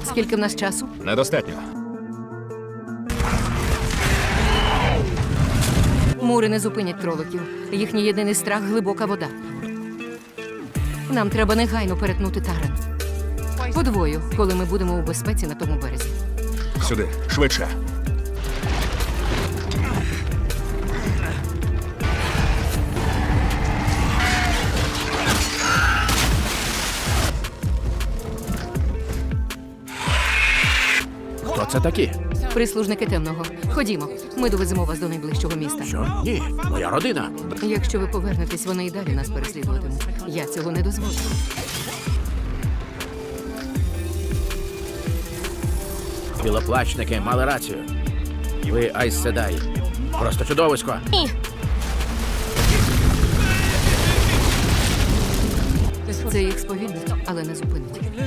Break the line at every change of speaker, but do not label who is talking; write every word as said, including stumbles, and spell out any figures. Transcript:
Скільки в нас часу?
Недостатньо.
Мури не зупинять кроликів. Їхній єдиний страх – глибока вода. Нам треба негайно перетнути Тарен. Подвою, коли ми будемо у безпеці на тому березі.
Сюди, швидше.
Хто це такі?
Прислужники темного. Ходімо, ми довеземо вас до найближчого міста.
Що? Ні, моя родина.
Якщо ви повернетесь, вони і далі нас переслідуватимуть. Я цього не дозволю.
Білоплачники мали рацію. Ви Айс Седай. Просто чудовисько.
Ні. Це їх сповільнить, але не зупинить.